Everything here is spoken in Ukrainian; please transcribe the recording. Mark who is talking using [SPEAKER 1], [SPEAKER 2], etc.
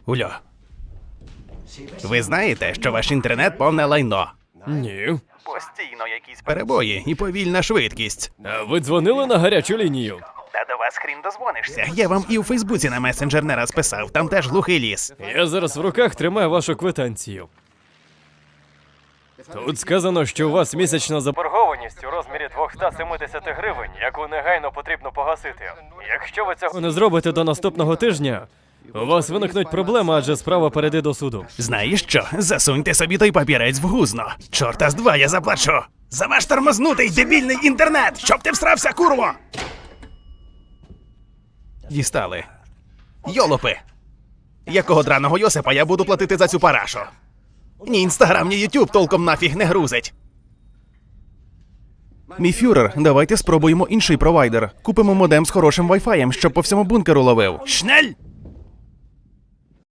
[SPEAKER 1] Ульо, ви знаєте, що ваш інтернет повне лайно?
[SPEAKER 2] Ні.
[SPEAKER 1] Постійно якісь перебої і повільна швидкість.
[SPEAKER 2] А ви дзвонили на гарячу лінію?
[SPEAKER 1] Та до вас хрін дозвонишся. Я вам і у Фейсбуці на месенджер не раз писав, там теж глухий ліс.
[SPEAKER 2] Я зараз в руках тримаю вашу квитанцію. Тут сказано, що у вас місячна заборгованість у розмірі 270 гривень, яку негайно потрібно погасити. Якщо ви цього не зробите до наступного тижня, у вас виникнуть проблеми, адже справа перейде до суду.
[SPEAKER 1] Знаєш що? Засуньте собі той папірець в гузно. Чорта з два я заплачу. За ваш тормознутий дебільний інтернет! Щоб ти всрався, курво! Дістали. Йолопи! Якого драного Йосипа я буду платити за цю парашу? Ні інстаграм, ні ютюб толком нафіг не грузить. Мій фюрер, давайте спробуємо інший провайдер. Купимо модем з хорошим вайфаєм, щоб по всьому бункеру ловив. Шнель!